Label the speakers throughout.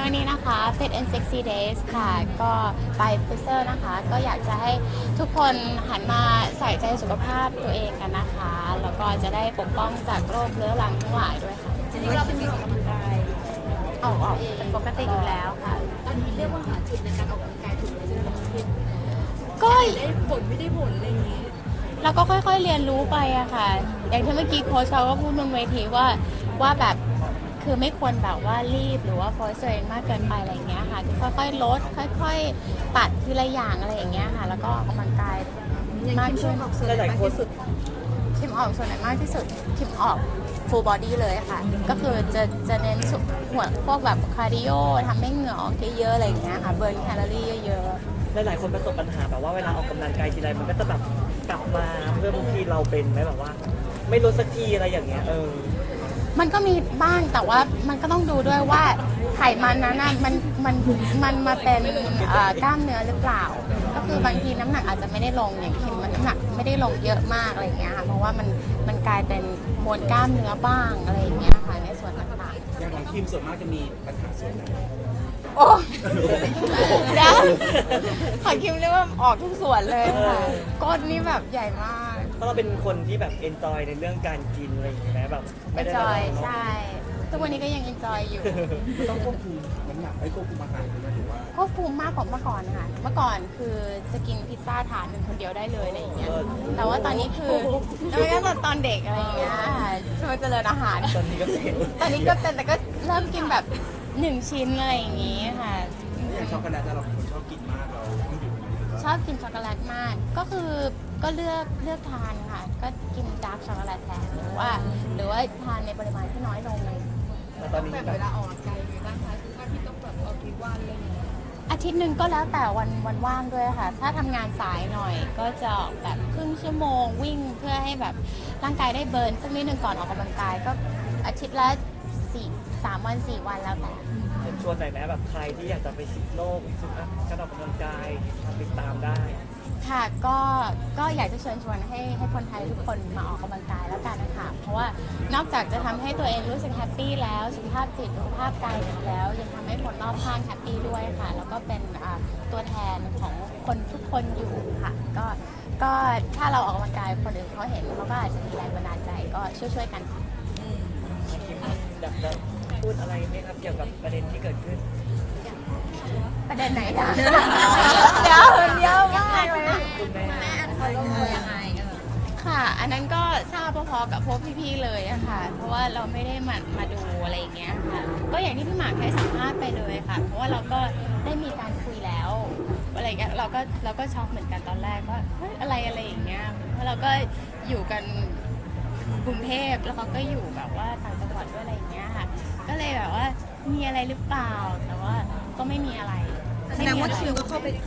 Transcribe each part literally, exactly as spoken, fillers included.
Speaker 1: วันนี้นะคะ Fit and Sexy Days ค่ะก็ไปฟิเซอร์นะคะก็อยากจะให้ทุกคนหันมาใส่ใจสุขภาพตัวเองกันนะคะแล้วก็จะได้ปกป้องจากโรคเรื้อรังทั้งหลายด้วยค่ะจริงๆเราเป็นคนออกกำลังกายออกออกเป็นปกติอยู่แล้วค่ะ
Speaker 2: อันนี้เรียกว่าหาจุดในการออกกำลังกายถูกไหมใช่ไหมพี่
Speaker 1: ก็
Speaker 2: ได้ผลไม่ได้ผลอะไรอย่างนี้
Speaker 1: เราก็ค่อยๆเรียนรู้ไปอะค่ะอย่างที่เมื่อกี้โค้ชเขาก็พูดบนเวทีว่าว่าแบบคือไม่ควรแบบว่ารีบหรือว่าโฟร์สตัวเองมากเกินไปอะไรอย่างเงี้ยค่ะคือค่อยๆลดค่อยๆตัดทีละอย่างอะไรอย่างเงี้ยค่ะแล้วก็ออกกำลังกายมากขึ้น
Speaker 2: หลายคนสุด
Speaker 1: คิมออกส่วนไหนมากที่สุดคิมออก full body เลยค่ะก็คือจะจะเน้นสุหัวพวกแบบคาร์ดิโอทำให้เหงื่อออกเยอะๆอะไรอย่างเงี้ยค่ะเบิร์นแคลอรี่เยอะ
Speaker 3: ๆหลายๆคนประสบปัญหาแบบว่าเวลาออกกำลังกายทีไรมันก็จะแบบกลับมาเพื่อบางทีเราเป็นไหมแบบว่าไม่ลดสักทีอะไรอย่างเงี้ยเออ
Speaker 1: มันก็มีบ้างแต่ว่ามันก็ต้องดูด้วยว่าไขมันนั้นน่ะมันมันมันมาเป็นกล้ามเนื้อหรือเปล่าก็คือบางทีน้ำหนักอาจจะไม่ได้ลงอย่างคิมมันน้ำหนักไม่ได้ลงเยอะมากอะไรอย่างเงี้ยค่ะเพราะว่ามันมันกลายเป็นมวลกล้ามเนื้อบ้างอะไรอย่างเงี้ยค่ะในส่วนต่างๆ
Speaker 4: อย่างของคิมส่วนมากจะมีปัญหาส่วนไหน
Speaker 1: โอ้เดี๋ยวขอคิมเรียกว่าออกทุกส่วนเลยค่ะก้นนี่แบบใหญ่มาก
Speaker 3: เพราะเราเป็นคนที่แบบเอนจอยในเรื่องการกินอะไรอย่างเงี้ยแบบ
Speaker 1: เอนจอยใช่ทุกวันนี้ก็ยังเอนจอยอยู่
Speaker 4: ต้องควบคุมน้ำหนักให้ควบคุมอาหารเลยหรือว่า
Speaker 1: ควบคุมมากกว่าเมื่อก่อนค่ะเมื่อก่อนคือจะกินพิซซ่าถาดหนึ่งคนเดียวได้เลยอะไรอย่างเงี้ยแต่ว่าตอนนี้คือแล้วก็ตอนเด็กอะไรอย่างเงี้ยช่วยเจริญอาหาร
Speaker 3: ตอนนี้ก็เป็น
Speaker 1: ตอนนี้ก็เป็นแต่ก็เริ่มกินแบบหนึ่งชิ้นอะไรอย่างงี้ค่ะ
Speaker 4: อย่างช็อกโกแลตเราชอบกินมากเราต้องหยุด
Speaker 1: ชอบกินช็อกโกแลตมากก็คือก็เลือกเลือกทานค่ะก็กินดาร์กช็อกโกแลตแทนหรือว่าหรือว่าทานในปริมาณที่น้อยลงเลย
Speaker 3: แต่ตอนนี้
Speaker 2: แบบเวลาออกกำลังกายมีบ้างคะคือว่าพี่ต้องแบบออกกี่วันอะไรอย่างเงี้ย
Speaker 1: อาทิตย์หนึ่งก็แล้วแต่วันวันว่างด้วยค่ะถ้าทำงานสายหน่อยก็จะออกแบบครึ่งชั่วโมงวิ่งเพื่อให้แบบร่างกายได้เบิร์นสักนิดหนึ่งก่อนออกกำลังกายก็อาทิตย์ละสี่สามวันสี่วันแล้วแต่
Speaker 3: ชวนหน่อยไหมแบบใครที่อยากจะไปสิบโลกสุดนะการออกกำลังกายติดตามได้
Speaker 1: ค่ะก็ก็อยากจะเชิญชวนให้ให้คนไทยทุกคนมาออกกำลังกายแล้วกันนะคะเพราะว่านอกจากจะทำให้ตัวเองรู้สึกแฮปปี้แล้วสุขภาพจิตสุขภาพกายดีแล้วยังทำให้คนรอบข้างแฮปปี้ด้วยค่ะแล้วก็เป็นตัวแทนของคนทุกคนอยู่ค่ะก็ก็ถ้าเราออกกำลังกายคนอื่นเขาเห็นเขาก็อาจจะมีแรงบันดาลใจก็ช่วยๆกันค่ะ
Speaker 3: อยากจะพูดอะไรไหมครับเกี่ยวกับประเด็นที่เกิดขึ้น
Speaker 1: ประเด็นไหนคะเดี๋ยวเยอะมากเลย
Speaker 3: คุณแม่
Speaker 2: เขาลงมือยังไง
Speaker 1: ค่ะอันนั้นก็ทราบพอๆกับพวกพี่ๆเลยอะค่ะเพราะว่าเราไม่ได้มามาดูอะไรอย่างเงี้ยค่ะก็อย่างที่พี่หมากให้สัมภาษณ์ไปเลยค่ะเพราะว่าเราก็ได้มีการคุยแล้วอะไรเงี้ยเราก็เราก็ช็อกเหมือนกันตอนแรกว่าเฮ้ยอะไรอะไรอย่างเงี้ยเพราะเราก็อยู่กันกรุงเทพแล้วเขาก็อยู่แบบว่าต่างจังหวัดด้วยอะไรอย่างเงี้ยค่ะก็เลยแบบว่ามีอะไรหรือเปล่าแต่ว่าก็ไม่มีอะไร
Speaker 2: แสดงว่าคิวก็เข้าไป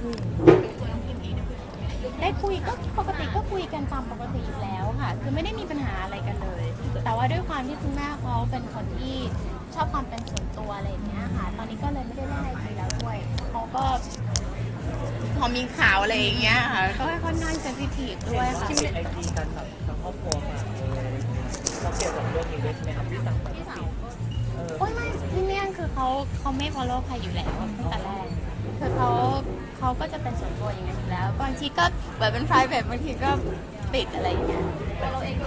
Speaker 1: ได้คุยก็ปกติก็คุยกันตามปกติอยู่แล้วค่ะคือไม่ได้มีปัญหาอะไรกันเลยแต่ว่าด้วยความที่คุณแม่เขาเป็นคนที่ชอบความเป็นส่วนตัวอะไรอย่างเงี้ยค่ะตอนนี้ก็เลยไม่ได้เล่นไอจีแล้วด้วยเขาก็พอมีข่าวอะไรอย่างเงี้ยค่ะก็ค่อนข้างเซนซิทีฟด้วยค่ะ
Speaker 3: ที่ไอจีกันแบบทั้งครอบครัวมาเลยเราเกี่ยวกับเรื่องนี้ด้วยใช่ไหมครับพี่สาวพี่สาว
Speaker 1: โอ้ยไม่พี่เมี่ยงคือเขาเขาไม่ follow ใครอยู่แล้วตั้งแต่แรกคือเขาเขาก็จะเป็นส่วนตัวอย่างนั้นอยู่แล้วบางทีก็แบบเป็น private บางทีก็ปิดอะไรอย่างเงี้ยเราเอง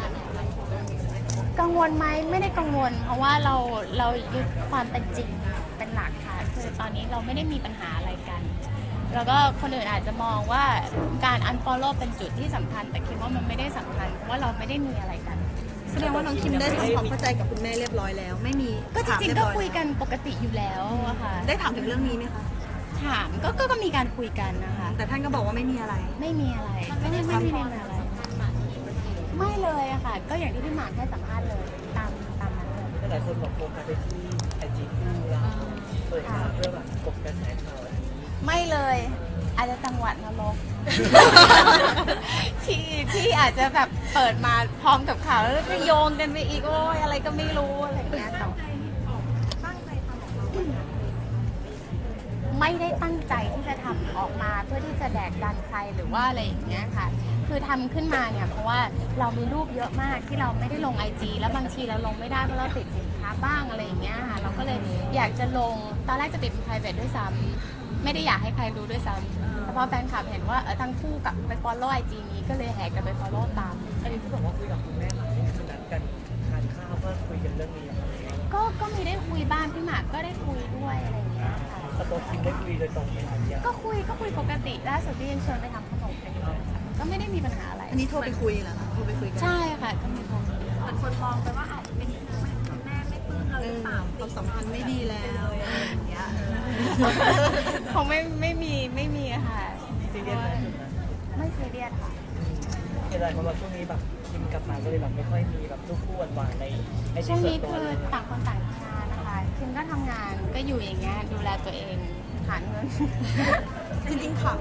Speaker 1: กังวลไหมไม่ได้กังวลเพราะว่าเราเรายึดความเป็นจริงเป็นหลักค่ะคือตอนนี้เราไม่ได้มีปัญหาอะไรกันแล้วก็คนอื่นอาจจะมองว่าการ unfollow เป็นจุดที่สำคัญแต่คิดว่ามันไม่ได้สำคัญเพราะว่าเราไม่ได้มีอะไรกัน
Speaker 2: แสดงว่าน้องคิมได้ทำความเข้าใจกับคุณแม่เรียบร้อยแล้วไม่มี
Speaker 1: ก็จริงๆก็คุยกันปกติอยู่แล้วอะค่ะ
Speaker 2: ได้ถามถึงเรื่องนี้ไหมคะ
Speaker 1: ถามก็ก็มีการคุยกันนะคะ
Speaker 2: แต่ท่านก็บอกว่าไม่มีอะไร
Speaker 1: ไม่มีอะไรไม่ได้ไม่มีอะไรไม่เลยอะค่ะก็อย่างที่พี่หมากให้สัมภาษณ์เลยตามตามนั้นเลย
Speaker 3: หลายคนบอกโฟกัสไปที่ไอจีคู่เราเปิดมาเพื่อแบบกบกระแสข่าวอะไร
Speaker 1: ไม่เลยอาจจะจังหวัดนรกที่ที่อาจจะแบบเปิดมาพร้อมกับข่าวแล้วก็โยงกันไปอีกโอ้ยอะไรก็ไม่รู้อะไรอย่างเงี้ยแต่ไม่ได้ตั้งใจที่จะทำออกมาเพื่อที่จะแดกดันใครหรือว่าอะไรอย่างเงี้ยค่ะคคือทำขึ้นมาเนี่ยเพราะว่าเรามีรูปเยอะมากที่เราไม่ได้ลง ไอ จี แล้วบางทีเราลงไม่ได้เพราะเราติดสินค้าบ้างอะไรอย่างเงี้ยค่ะเราก็เลยอยากจะลงตอนแรกจะติดเป็น private ด้วยซ้ำไม่ได้อยากให้ใครรู้ด้วยซ้ำแต่พอแฟนคลับเห็นว่าเออทั้งคู่กับไป follow ไอ จี นี้ก็เลยแหกกันไป follow ตาม
Speaker 3: อันนี้ที่บอกว่าคุยกับคุณแม่มานี่คือนัดกันทานข้าวเพื่อคุยกันเรื่องนี้อะไรอย่างเงี้ย
Speaker 1: ก็ก็มีได้คุยบ้างพี่หมากก็ได้คุยด้วยอะไรอย่างเงี้ยค่ะ
Speaker 3: สโตคิมได้คุยโดยตรงไหมคะเนี่ย
Speaker 1: ก็คุยก็คุยปกติล่าสุดที่ยังชวนไปทำขนมกันอยู่เลยค่ะก็ไม่ได้มีปัญหาอะไร
Speaker 5: อันนี้โทรไปคุยเหรอคะโทรไปคุยกัน
Speaker 1: ใช่ค่ะก็มีโทร
Speaker 2: แต่คนมองไปว่าอาจจะเป็นคุณแม่ไม่ปลื้มเรา
Speaker 5: เอ
Speaker 2: หรือ
Speaker 5: อ
Speaker 2: เปล่า
Speaker 5: ความสัมพันธ์ไม่ดีแล้วอย่างเงี้ย
Speaker 1: คงไม่ไม่มีไม่มีอะค่ะ
Speaker 3: ซีเรียสไหมจุดนั้น
Speaker 1: ไม่ซีเรียสค่ะ
Speaker 3: เห็นหลายคนบอกช่วงนี้แบบคิมกลับมาก็เลยแบบไม่ค่อยมีแบบรูปคู่หวานๆในไอจี
Speaker 1: ช่วง
Speaker 3: ส่ว
Speaker 1: นี้
Speaker 3: นตัว
Speaker 1: คือ
Speaker 3: เลย
Speaker 1: ต่างคนต่างทำงานนะคะคิมก็ทำงานก็อยู่อย่างเงี้ยดูแลตัวเองหาเงิน
Speaker 5: จริงๆค่ะ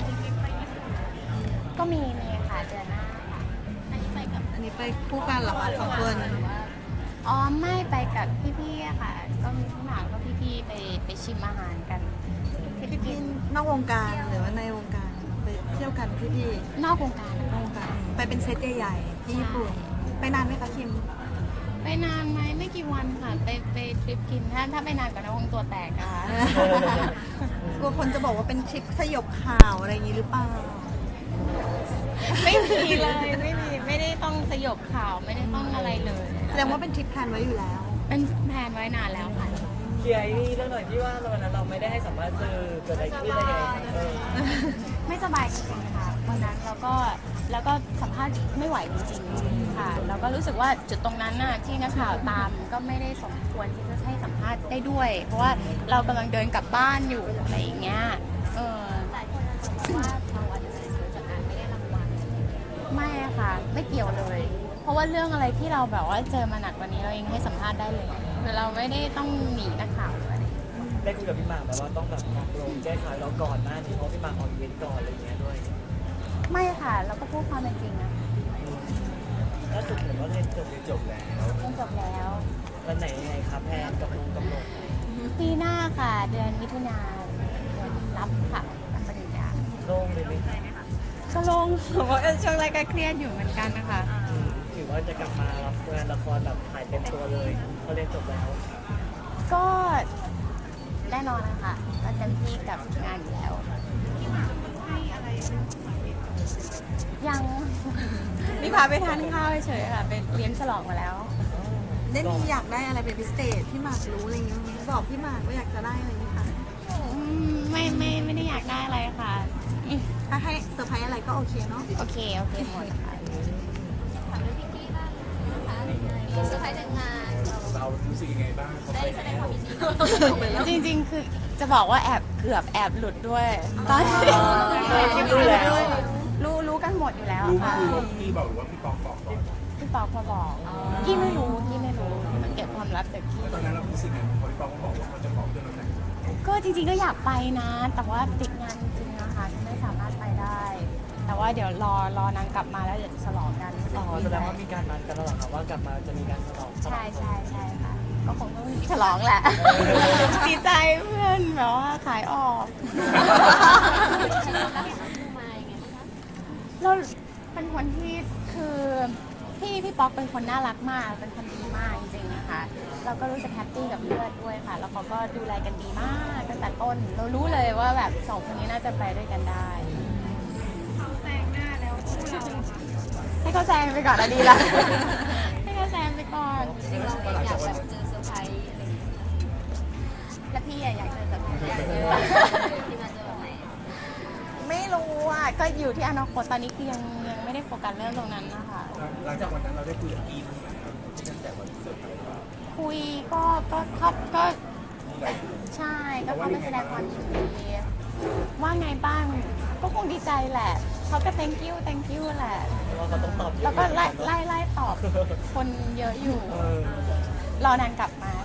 Speaker 1: ก็มีมีค่ะเดือนหน้าค่ะอันนี้ไปกับ
Speaker 5: อันนี้ไปคู่กันเหรอคะสองคน
Speaker 1: อ๋อไม่ไปกับพี่ๆอะค่ะ ก็มีพี่หมากก็พี่ๆไปไปชิมอาหารกันที่
Speaker 5: พี่
Speaker 1: กิ
Speaker 5: พี่
Speaker 1: น
Speaker 5: นอกวงการหรือว่าในวงการไปเที่ยวกันพี่พี่
Speaker 1: นอกวงการ
Speaker 5: นอกวงการไปเป็นเซตใหญ่ๆที่ญี่ปุ่นไปนานไหมคะคิม
Speaker 1: ไปนานไหมไม่กี่วันค่ะ ไปไปทริปกินถ้าถ้าไปนานกว่านั้นคงตัวแตกอะค่ะ
Speaker 5: กลัวคนจะบอกว่าเป็นทริปสยบข่าวอะไรอย่างนี้หรือเปล่า
Speaker 1: ไม่มีเลยไม่มีไม่ได้ต้องสยบข่าวไม่ได้ต้องอะไรเลย
Speaker 5: แสดงว่าเป็นทริปแพลนไว้อยู่แล้ว
Speaker 1: เป็นแผนไว้นานแล้วค่ะ
Speaker 3: เคลียร์ไอ้นี่เรื่องหน่อยที่ว่าวันนั้นเราไม่ได้ให้สัมภาษณ์สื่อเกิดอะไรขึ้นอะไรยังไงเออ
Speaker 1: ไม่สบายจริงๆค่ะวันนั้นแล้วก็แล้วก็สัมภาษณ์ไม่ไหวจริงๆค่ะแล้วก็รู้สึกว่าจุดตรงนั้นน่ะที่นักข่าวตามก็ไม่ได้สมควรที่จะให้สัมภาษณ์ได้ด้วย เพราะว่าเรากำลังเดินกลับบ้านอยู่อะไรอย่างเงี้ยเออหลายคนจะบอกว่าเราอาจจะเสียจากการไม่ได้รางวัลไม่อะค่ะ ไม่เกี่ยวเลย เพราะว่าเรื่องอะไรที่เราแบบว่าเจอมาหนักกว่านี้เราเองให้สัมภาษณ์ได้เลยคือเราไม่ได้ต้องหนีนักข่าวอะไร
Speaker 3: ได้คุยกับพี่หมากแบบว่าต้องแบบปรับปรุงแก้ไขเราก่อนหน้านี้เพราะพี่หมากออกอีเวนต์ก่อนอะไรอย่างเงี้ยด้วย
Speaker 1: ไม่ค่ะเราก็พูดความเป็นจริงนะ
Speaker 3: ล่าสุดเห็นว่าเรียนจบเรียนจบแล้ว
Speaker 1: เรียนจบแล้ว
Speaker 3: วันไหนยังไงครับแพนกับลุงกับหนง
Speaker 1: ปีหน้าค่ะ เดือนมิถุนายนรับค่ะรับปริญญา
Speaker 3: โล่งเลยไหม
Speaker 1: ก็ลงเพราะว่าช่วงแรกก็เครียดอยู่เหมือนกันนะคะ
Speaker 3: ถือว่าจะกลับมารับงานละครแบบถ่ายเต็มตัวเลยเพราะเรียนจบแล้ว
Speaker 1: ก็แน่นอนนะคะก็เต็มที่กับงานอยู่แล้วยัง นี่พาไปทานข้าวเฉยๆค่ะไปเลี้ยงฉลองมาแล้ว
Speaker 5: ได้มีอยากได้อะไรเป็นพิเศษพี่หมากรู้อะไรอย่างเงี้ยบอกพี่หมากว่าอยากจะได้อะไรไหมคะ
Speaker 1: อืมไม่ไม่ไม่ได้อยากได้อะไรค่ะอืม
Speaker 5: ถ้าให้เซอร์ไพรส์อะไรก็โอเคเนาะ
Speaker 1: โอเค โอเคหมดค่ะ
Speaker 2: ถามเรื่องพี่กี้บ้างนะคะเซอร์ไพรส์แต่งงาน
Speaker 4: เรารู้สึกยังไงบ้างเขา
Speaker 2: ได้
Speaker 4: ไป
Speaker 2: แสดงความยินดี
Speaker 1: จริงๆ คือจะบอกว่าแอบเกือบแอบหลุดด้วยตอน
Speaker 3: เออคิดรู้แล้ว
Speaker 1: รู้รู้กันหมดอยู่แล้ว
Speaker 4: รู้
Speaker 1: ค่ะ
Speaker 4: คือว่าพี่บอกหรือว่าพี่ปองบอกก่อน
Speaker 1: พี่ปอกมาบอกพี่ไม่รู้พี่ไม่รู้มันเก็บความลับจากพี่
Speaker 4: แล้วตอนนั้นเรารู้สึกไงพอพี่ปองเขาบอกว่าเขาจะบอกเรื่องนั้น
Speaker 1: ก็จริงๆก็อยากไปนะ แต่ว่าติดงานจริงๆนะคะไม่สามารถไปได้ แต่ว่าเดี๋ยวรอรอนางกลับมาแล้วเดี๋ยวจะฉลองกัน
Speaker 3: อ๋อแสดงว่ามีการนัดกันแล้วเหรอครับว่ากลับมาจะมีการฉลอง
Speaker 1: ใช่ใช่ใช่ค่ะก็คงต้องฉลองแหละ ดีใจเพื่อนแบบว่าขายออก เราเป็นคนที่คือพี่พี่ป๊อกเป็นคนน่ารักมาก เป็นคนดีมากจริงๆนะคะเราก็รู้สึกแฮปปี้กับเพื่อนด้วยค่ะ แล้วเขาก็ดูแลกันดีมากตั้งแต่ต้น เรารู้เลยว่าแบบสองคนนี้น่าจะไปด้วยกันได้แซงหน้าแล้วให้เขาแซงไปก่อนอะดีละ ให้เขาแซงไปก่อน
Speaker 2: เราอยากแบบเจอเซอร์ไพรส์อะไรอย่างเงี้ย
Speaker 1: แล้วพี่อะอยากเจอแบบไหนอยากเจอ
Speaker 2: ที่มาเจอแบบไหน
Speaker 1: ไม่รู้อ่ะก็อยู่ที่อนาคตตอนนี้คือยังยังไม่ได้โฟกัสเรื่องตรงนั้นนะคะ
Speaker 4: หลังจากวันนั้นเราได้คุยกับกีนไหมครับตั้งแต่วันเสาร์
Speaker 1: คุยก็ก็ก็ก็ใช่ก็เข้าไปแสดงความยินดีว่าไงบ้างก็คงดีใจแหละเขาก็ thank you thank you แหละ
Speaker 3: ว่าเขาต้องตอบเยอะ
Speaker 1: แล้วก็ไล่ไล่ไล่ตอบคนเยอะอยู่
Speaker 3: เออ
Speaker 1: รอนานกลับมา